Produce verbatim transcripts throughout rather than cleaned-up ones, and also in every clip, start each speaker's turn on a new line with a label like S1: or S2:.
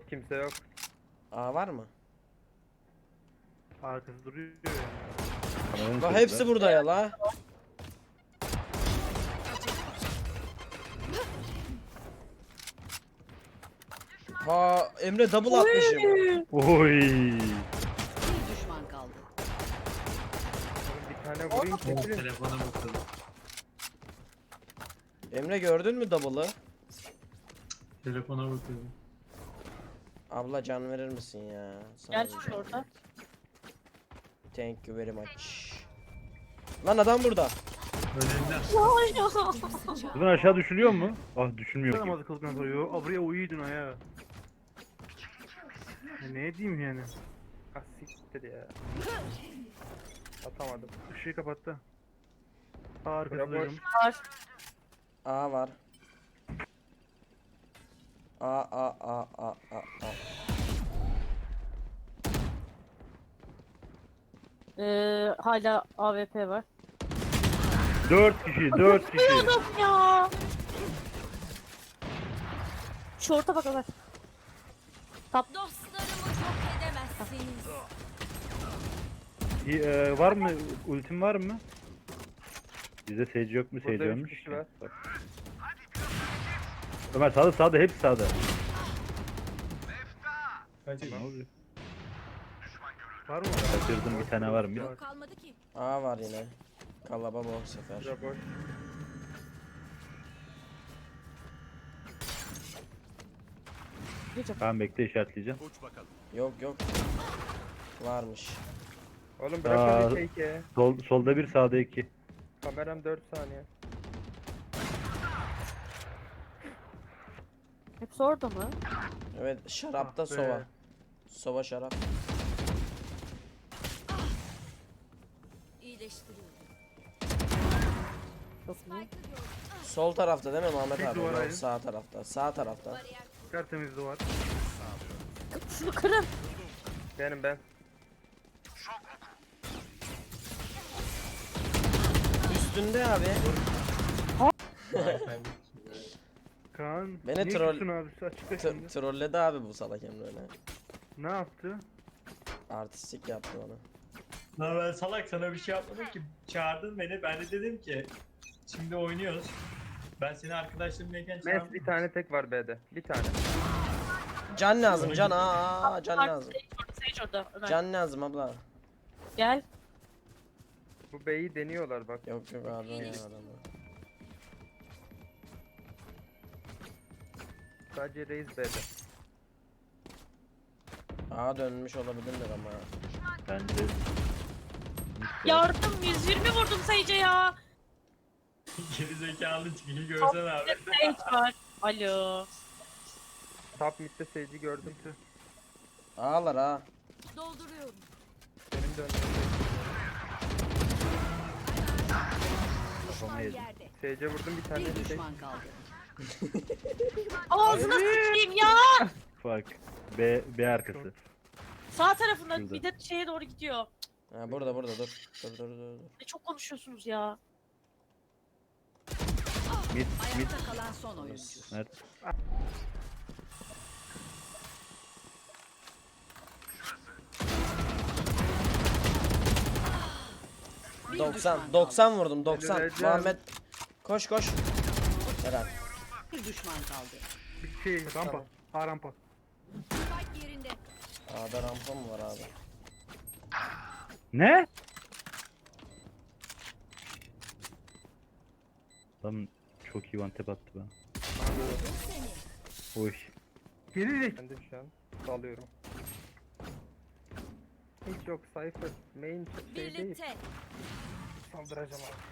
S1: Kimse yok.
S2: Aa var mı?
S1: Arkası duruyor yani.
S2: La hepsi burada ya la. Ha Emre double atmışım.
S3: Oy.
S4: Bir düşman kaldı.
S1: Oğlum bir tane vurayım çekilin.
S5: Telefona bakalım.
S2: Emre gördün mü double'ı?
S5: Telefona bakalım.
S2: Abla can verir misin ya? Sana
S6: Gel
S2: bir-
S6: şurada.
S2: Thank you very much. Lan adam burada.
S5: Önünde.
S3: Buradan aşağı düşülüyor mu? Ah düşülmüyor ki.
S1: Namazı kıldıktan sonra yo, a, buraya uyuydun ha ya. Ya ne diyeyim yani? Ah siktir ya. Atamadım. Işığı kapattı. Aa, arkası
S2: Bura boş.
S1: duydum.
S6: Var.
S2: A var. A A A A A A.
S6: Ee, hala A W P var.
S3: Dört kişi, dört kişi.
S6: Biliyordum ya. Şu orta bak Ömer.
S4: Dostlarımı yok edemezsiniz.
S3: İyi, e, var mı? Ultim var mı? Bizde seyirci yok mu? Seyirci
S1: Burada üç
S3: ölmüş.
S1: kişi var.
S3: Ömer sağda sağda hepsi sağda.
S5: Kaç
S3: Ne oluyor?
S1: Var mı?
S3: Kaçırdım bir tane var mı?
S4: Yok kalmadı ki.
S2: A var yine. Kalaba bu sefer.
S1: Bura boş.
S3: Tamam bekle işaretleyeceğim.
S2: Yok yok. Varmış.
S1: Oğlum bırak
S3: Aa.
S1: onu fake'e.
S3: Sol, solda bir sağda iki.
S1: Kameram dört saniye.
S6: Hepsi orada mı?
S2: Evet şarapta
S1: Ah be.
S2: sova. Sova şarap.
S4: İyileştiriyorum.
S6: Nasıl mı?
S2: Sol tarafta değil mi Muhammed
S1: Tek
S2: abi?
S1: duvar
S2: Yok,
S1: ayrı.
S2: sağ tarafta. Sağ tarafta.
S4: Bariyer
S1: Tertemiz duvar.
S6: Şunu kırın.
S1: Benim ben.
S2: Üstünde abi.
S1: Kaan.
S2: Beni
S1: niye
S2: troll-
S1: küstün abi? Açıkla
S2: T-
S1: şimdi.
S2: trolledi abi bu salak Emre öyle.
S1: Ne yaptı?
S2: Artistik yaptı onu.
S5: Lan ben salak sana bir şey yapmadım ki. Çağırdın beni. Ben de dedim ki şimdi oynuyoruz. Ben seni arkadaşlarımlayken
S1: Mes
S5: çağırdım.
S1: bir tane tek var B'de. Bir tane.
S2: Can lazım can aa, aa can lazım.
S6: Sage orada, Sage orada. Ömer.
S2: Can lazım abla.
S6: Gel.
S1: Bu B'yi deniyorlar bak.
S2: Yok yok abi ya adamı.
S1: Sadece Reis B'de.
S2: Aa dönmüş olabilirler ama.
S3: Bence.
S6: Yardım yüz yirmi vurdum Sage'e ya.
S5: Geri zekalı çıkıyı görsen abi.
S6: Sage var. Alo.
S1: Top mid'de Sage'i gördüm.
S2: Ağlar ha.
S4: dolduruyorum.
S1: Benim döndüğüm.
S3: Kafama yedim.
S4: Yerde.
S1: Sage'e vurdum bir tane.
S4: Bir
S1: Sage.
S4: düşman kaldı.
S6: Ağzına sıçayım ya.
S3: Fark. B, B arkası.
S6: Sağ tarafında
S3: Şurada.
S6: bir de şeye doğru gidiyor.
S2: Ha burada burada dur. Dur dur dur. dur.
S6: Ne çok konuşuyorsunuz ya.
S3: Mid, mid.
S4: Ayakta kalan son oyuncu.
S3: Mert.
S4: Bir
S2: doksan
S4: düşman kaldı.
S2: doksan vurdum doksan.
S1: Öleceğim.
S2: Muhammed koş koş. Helal.
S4: Bir düşman kaldı.
S1: Bir şey rampa. Ha rampa.
S4: Spike yerinde.
S2: A'da rampa mı var abi?
S3: Ne? Adam çok iyi one tap attı bana. Oy.
S1: Geri de. Ben de şu an salıyorum. Hiç yok Cypher. Main şey değil.
S4: Birlikte.
S1: Saldıracağım abi.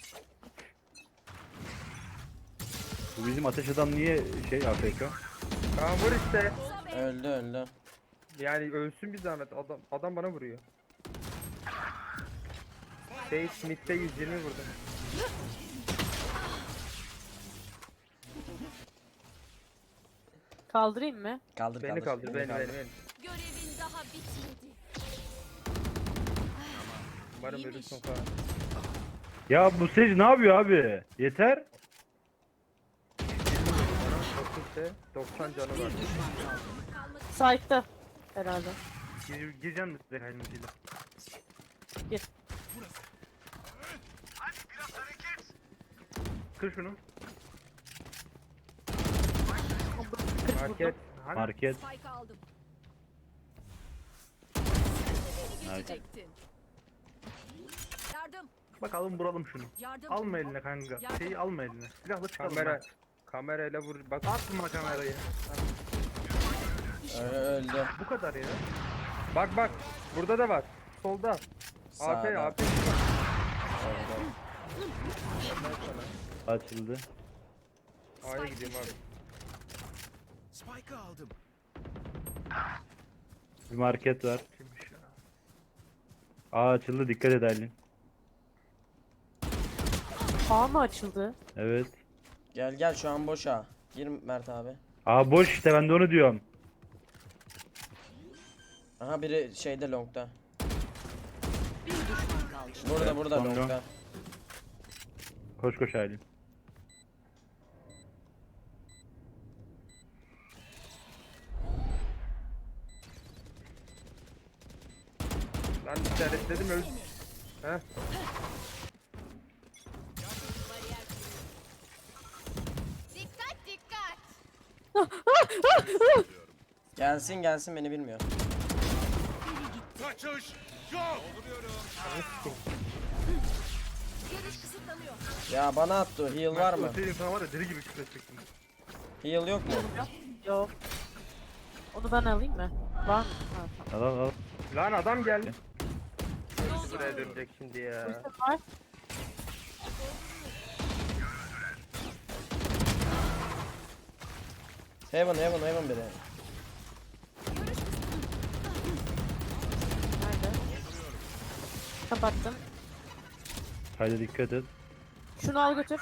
S3: Bu bizim ateş adam niye şey A F K?
S1: Kaan vur işte.
S2: Öldü öldü.
S1: Yani ölsün bir zahmet. Adam adam bana vuruyor. Sage mid'de yüz yirmi vurdum.
S6: Kaldırayım mı?
S2: Kaldır
S1: Beni
S2: kaldır.
S1: kaldır. Beni beni beni.
S4: Görevin daha bitmedi.
S1: Umarım
S4: İyiymiş.
S1: ölürsün Kaan.
S3: Ya bu Sage ne yapıyor abi? Yeter.
S1: Bana dokuz midde. doksan canı
S4: Bir
S1: var.
S4: düşman kaldı.
S6: Site'da. Herhalde.
S3: Gir, gireceğim mi size kaynımcıyla?
S6: Gir.
S3: Kır şunu.
S1: Market.
S3: Market.
S4: Spike aldım. Beni
S3: Nice.
S4: geçecektin. Yardım.
S3: Bakalım vuralım şunu.
S4: Yardım.
S3: Alma eline kanka. Şeyi alma eline. Silahla çıkalım.
S1: Kamera.
S3: Kamera.
S1: Kamerayla vur. Bak.
S3: Atma kamerayı.
S2: Ö- Öldü.
S3: Bu kadar ya.
S1: Bak bak. Burada da var. Solda. A P
S2: Sağda.
S1: A P.
S2: Öldü.
S3: Açıldı.
S1: A'ya gideyim abi.
S7: Spike'ı aldım.
S3: Bir market var. Aa açıldı, dikkat et Aylin.
S6: A mı açıldı?
S3: Evet.
S2: Gel gel şu an boş ha. Gir Mert abi.
S3: Aa boş işte, ben de onu diyorum.
S2: Aha biri şeyde longda.
S4: Bir düşman kaldı.
S2: Burada
S3: Evet,
S2: burada
S3: sonra.
S2: longda.
S3: Koş koş Aylin.
S1: Lan işaretledim öl. Heh.
S4: Dikkat dikkat.
S2: Gelsin gelsin beni bilmiyor.
S7: Kaçış yok.
S4: Görüş kısıtlanıyor.
S2: Ya bana attı o. Heal var mı?
S3: Öteyim sana var ya, deli gibi küfredecektim.
S2: Heal yok mu?
S6: Yok. Onu ben alayım mı? Var mı? Ha,
S3: Al al al.
S1: Lan adam geldi. Buraya dönecek şimdi ya.
S6: tamam. Var.
S2: Heaven heaven heaven biri.
S6: Nerede? Kapattım.
S3: Haydi dikkat et.
S6: Şunu al götür.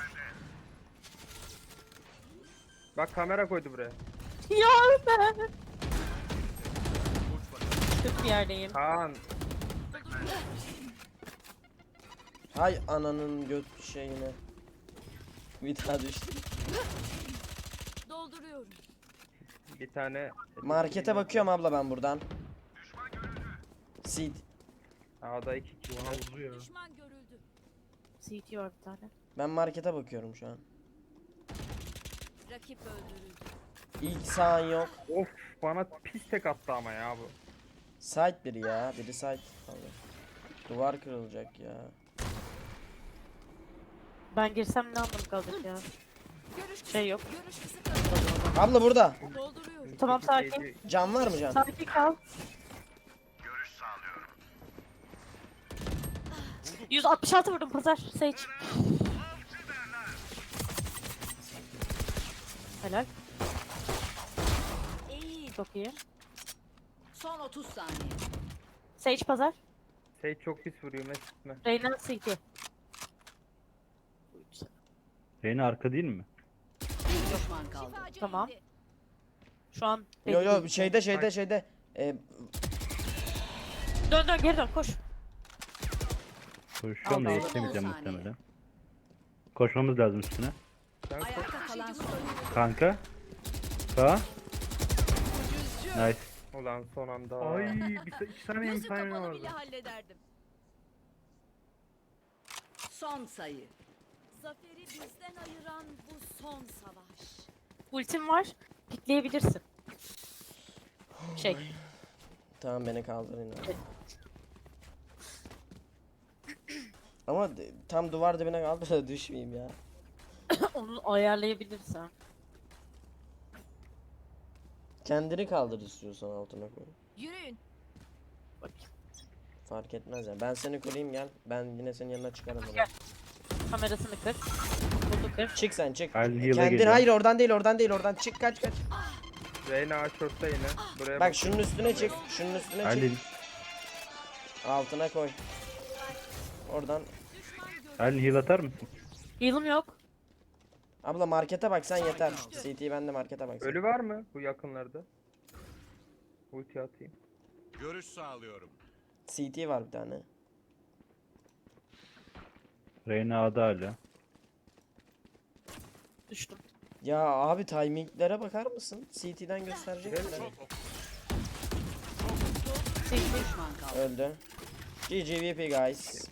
S1: Bak kamera koydu buraya.
S6: Ya ben. Kötü bir yerdeyim.
S1: Kaan.
S2: Hay ananın göt şeyine. Bir daha düştü.
S4: Dolduruyorum.
S1: Bir tane.
S2: Markete bakıyorum abla ben buradan. Seed.
S1: A'da iki kişi var.
S4: Düşman görüldü.
S6: C T var bir tane.
S2: Ben markete bakıyorum şu an.
S4: Rakip öldürüldü.
S2: İlk sağın yok.
S1: Of bana pis tek attı ama ya bu.
S2: Site biri ya. Biri site. Abi. Duvar kırılacak ya.
S6: Ben girsem ne anlamı kalacak ya?
S4: Görüş
S6: Şey yok.
S4: Görüş kısıtlanıyor.
S2: Abla burada.
S4: Dolduruyorum.
S6: Tamam
S1: İki
S6: sakin.
S1: şeydi-
S2: Can var mı can?
S6: Sakin kal. yüz altmış altı vurdum pazar. Sage. Helal.
S4: İyi.
S6: Çok iyi.
S4: Son otuz saniye.
S6: Sage pazar.
S1: Şey çok pis vuruyor mesutme.
S6: Reyna C T.
S3: Reyna arka değil mi?
S4: Bir düşman kaldı.
S6: Tamam. Şu an
S2: Yo
S6: belli
S2: yo
S6: değil.
S2: şeyde şeyde şeyde. Ee,
S6: Dön dön geri dön koş.
S3: Koşuyorum da
S6: Allah.
S3: yetişemeyeceğim
S4: on saniye.
S3: muhtemelen. Koşmamız lazım üstüne.
S1: Sen koş.
S4: Ayakta kalan son.
S3: Kanka. Sağ. Nice.
S1: Ulan son anda.
S3: Ay bir sa- iki saniye
S4: Gözü
S3: imkanı
S4: kapalı
S3: vardı.
S4: bile hallederdim. Son sayı. Zaferi bizden ayıran bu son savaş.
S6: Ultim var. Pikleyebilirsin. Şey.
S2: tamam beni kaldırın abi. Ama de- tam duvar dibine kaldı da düşmeyeyim ya.
S6: Onu ayarlayabilirsen.
S2: Kendini kaldır istiyorsan altına koy.
S4: Yürüyün.
S6: Bakayım.
S2: Fark etmez ya. Ben seni koruyayım gel. Ben yine senin yanına çıkarım.
S6: Gel.
S2: Gel.
S6: Kamerasını kır. Bunu kır.
S2: Çık sen çık.
S3: Halil heal'a
S2: Kendin
S3: geliyor.
S2: hayır oradan değil oradan değil oradan çık kaç kaç.
S1: Reyna şortta yine. Buraya
S2: Bak şunun üstüne çık. Şunun üstüne çık.
S3: Halil.
S2: Altına koy. Oradan.
S3: Halil heal atar mısın?
S6: Heal'ım yok.
S2: Abla markete bak sen yeter. C T ben de markete bak. sen.
S1: Ölü var mı bu yakınlarda? Ulti atayım.
S7: Görüş sağlıyorum.
S2: C T var bir tane.
S3: Reyna A'da hala.
S6: Düştüm.
S2: Ya abi timinglere bakar mısın? C T'den gösterecek mi?
S4: Bir düşman kaldı.
S2: Öldü. G G V P guys.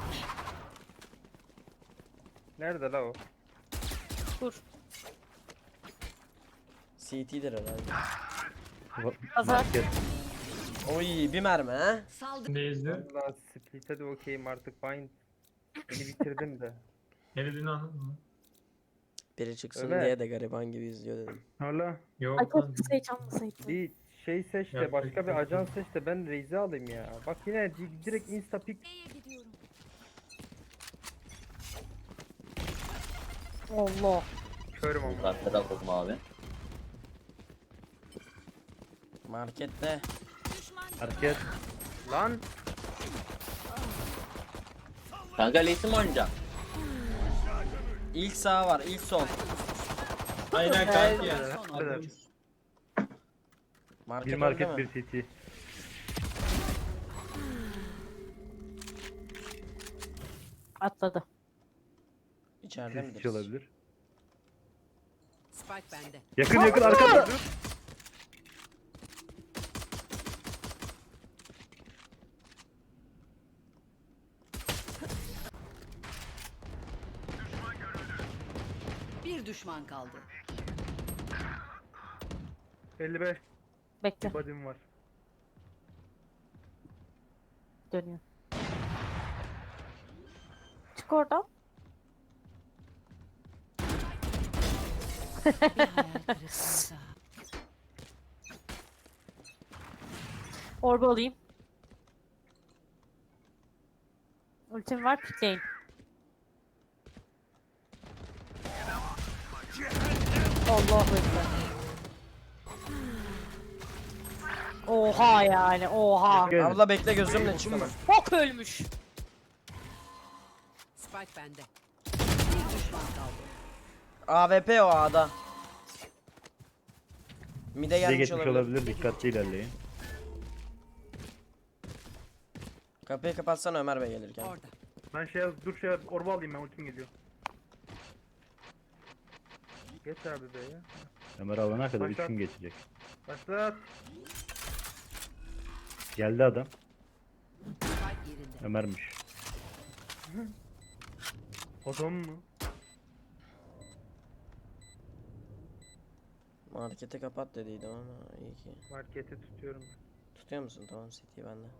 S1: Nerede la o?
S6: Dur.
S2: C T'dir herhalde.
S6: Pazar.
S3: Market.
S2: Oy bir mermi ha.
S4: Saldır.
S5: Ne izle?
S1: Valla split'e de okeyim artık. Bind. Beni bitirdim de.
S5: Ne dediğini anladın mı?
S2: Biri çıksın
S1: Ömer.
S2: diye de gariban gibi izliyor dedim.
S1: Hala
S6: Ay
S5: Yok lan.
S6: keşke Sage almasaydım.
S1: bir şey seç de
S5: Yapacak
S1: başka
S5: bir
S1: bir
S5: şey
S1: ajan
S5: yok.
S1: seç de ben Raze'i alayım ya. Bak yine di- direkt insta pick.
S4: B'ye gidiyorum.
S6: Allah.
S1: Körüm ama.
S8: Kartları alalım abi.
S2: Markette.
S4: Düşman
S3: Market.
S1: Lan
S8: Kanka Lee'si mi oynayacak?
S2: İlk sağ var, ilk sol.
S5: Aynen kanki ya.
S4: Son
S1: kadar.
S2: Market
S3: Bir
S2: öldü
S3: market
S2: mü?
S3: bir C T.
S6: Atladı.
S2: İçeride
S3: C
S2: midir?
S3: T olabilir.
S4: Spike bende.
S3: Yakın yakın arkada.
S4: Bir düşman kaldı.
S1: elli beş
S6: Bekle.
S1: body'm var.
S6: Dönüyor. Çık oradan. Orba alayım. Ultim var, pikleyin. Allahu ekber. Oha yani, oha.
S3: Gel.
S2: Abla bekle gözümle çıkamam.
S6: Bok ölmüş.
S4: Spike bende. Bir düşman kaldı.
S2: A W P o A'da. Mide
S3: Size
S2: gelmiş
S3: geçmiş
S2: olabilir.
S3: olabilir. Dikkatli ilerleyin.
S2: Kapıyı kapatsana Ömer Bey gelirken.
S4: Orada.
S1: Ben şey dur şey orba alayım ben ultim geliyor. Geç abi be ya.
S3: Ömer alana kadar üç
S1: Başlat.
S3: gün geçecek.
S1: Başlat.
S3: Geldi adam.
S4: Spike yerinde.
S3: Ömer'miş.
S1: Adam mı?
S2: Marketi kapat dediydim ama iyi ki.
S1: Marketi tutuyorum.
S2: Tutuyor musun? Tamam C T bende.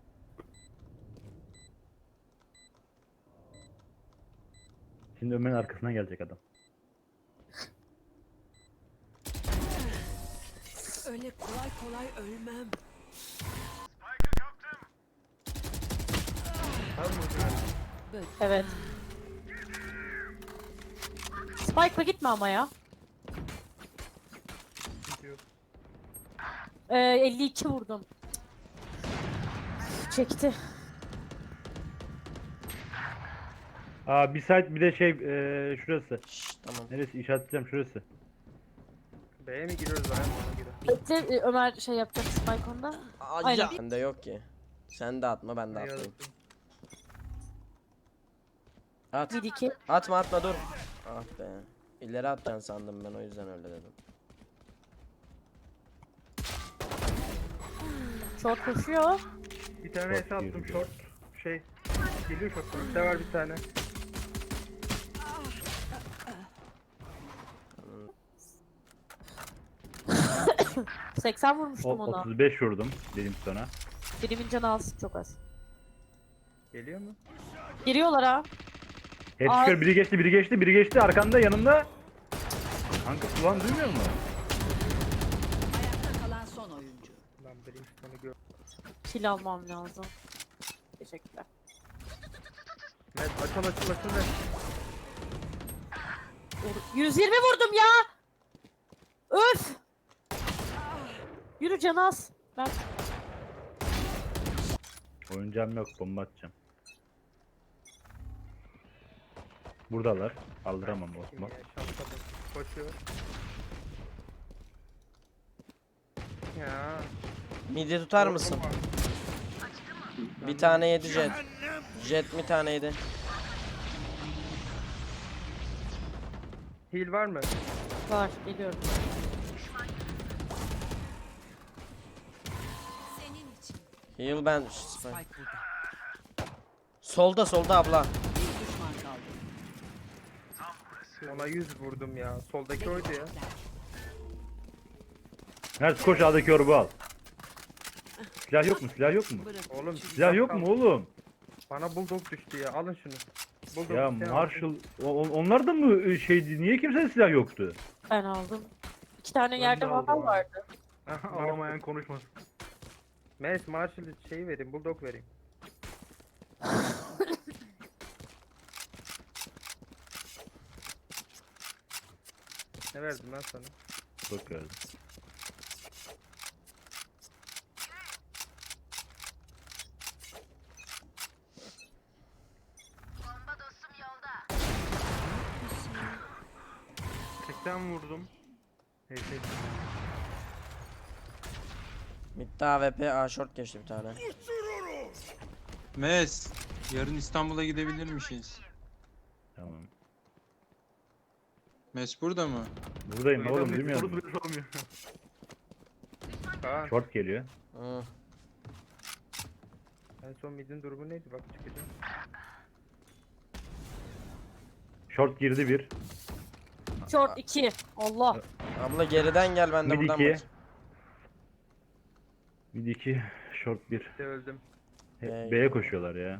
S3: Şimdi Ömer'in arkasından gelecek adam.
S4: Öyle kolay kolay ölmem.
S1: Var mı?
S6: Evet. Spike'la gitme ama ya.
S1: Gidiyor.
S6: Ee, elli iki vurdum. Çekti.
S3: Aa bir site bir de şey eee şurası.
S2: Şşş tamam.
S3: Neresi işaretleyeceğim şurası.
S1: B'ye mi giriyoruz ayağım ona göre?
S6: Bekle, e, Ömer şey yapacak Spike onda. Aynen.
S2: Bende yok ki. Sen de atma ben de
S1: Ne
S2: atmayayım.
S1: yazık.
S2: At.
S6: Bir iki.
S2: Atma atma dur. Ah be. İleri atacaksın sandım ben o yüzden öyle dedim.
S6: Short koşuyor.
S1: Bir tane
S3: Short
S1: S attım
S3: yürüdü.
S1: short. Şey geliyor short. Bir de var bir tane.
S6: seksen
S3: O,
S6: vurmuştum ona.
S3: otuz beş vurdum dedim sana.
S6: Birimin canı az, çok az.
S1: Geliyor mu?
S6: Giriyorlar ha.
S3: Hepsi
S6: Aa.
S3: kör biri geçti biri geçti biri geçti arkanda yanımda. Kanka ulan duymuyor musun?
S4: Ayakta kalan son oyuncu.
S1: Lan Brimstone'u gör.
S6: Kill almam lazım. Teşekkürler.
S1: Evet açıl açıl açıl ver.
S6: Vur- yüz yirmi vurdum ya. Öf. Yürü Canaz. Ben
S3: Oyuncağım yok bomba atacağım. Buradalar. Aldıramam
S1: Kim
S3: Osman.
S1: ya şansa bak. Koşuyor. Ya.
S2: Midi tutar mısın? Bir tane yedi jet. Jet bir tane yedi.
S1: Heal var mı?
S6: Var geliyorum.
S4: Senin için.
S2: Heal ben. Solda solda abla.
S1: Ona yüz vurdum ya. Soldaki oydu ya.
S3: Mert koş A'daki orbu al. Silah yok mu? Silah yok mu?
S1: Oğlum
S3: Silah yok mu oğlum?
S1: Bana bulldog düştü ya. Alın şunu. Bulldog
S3: Ya
S1: isteyen
S3: Marshall o- o- onlar da mı şeydi? Niye kimsenin silah yoktu?
S6: Ben aldım. İki tane
S1: Ben
S6: yerde
S1: de aldım
S6: vandal
S1: abi.
S6: vardı.
S1: alsın.
S3: Alamayan konuşmasın.
S1: Mes Marshall şeyi vereyim. Bulldog vereyim. Ne verdim lan sana?
S3: Çok gördüm. seksen vurdum. Neyse.
S2: Mid'de A W P A short geçti bir tane.
S9: Mes, yarın İstanbul'a gidebilirmişiz.
S3: Tamam.
S9: Mes burada mı?
S3: Buradayım oğlum bilmiyor musun?
S1: Kaan.
S3: Short geliyor.
S2: Hı.
S1: En son midin durumu neydi? Bak çıkacağım.
S3: Short girdi bir.
S6: Short iki. Allah.
S2: Abla geriden gel ben de
S3: Mid
S2: buradan
S3: iki.
S2: bak.
S3: Mid iki. Short bir.
S1: De öldüm.
S3: Hep
S2: B'ye
S3: B'ye koşuyorlar ya.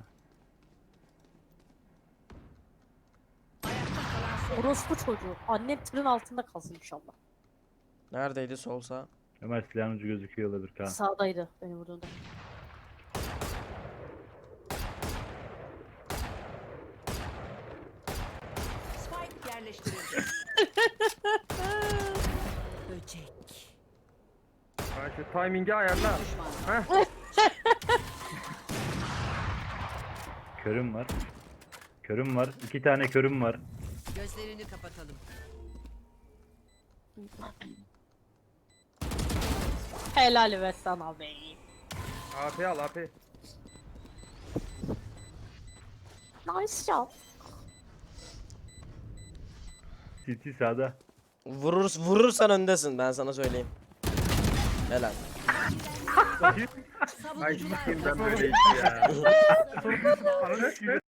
S6: Orospu çocuğu. Annem tırın altında kalsın inşallah.
S2: Neredeydi solsa?
S3: Ömer silahın ucu gözüküyor olabilir Kaan.
S6: Sağdaydı beni vurduğunda.
S4: Spike yerleştirildi. Böcek.
S1: Ha şu timing'i ayarla.
S4: Düşman.
S1: Heh.
S3: Körüm var. Körüm var. İki tane körüm var.
S4: Gözlerini kapatalım.
S6: Helal ve sana be.
S1: A P al A P.
S6: Nice shot.
S3: City sağda.
S2: Vurur, vurursan öndesin ben sana söyleyeyim. Helal.
S1: Ay
S4: Savunucular
S1: sikeyim ben
S4: kazandı.
S1: böyle iş ya.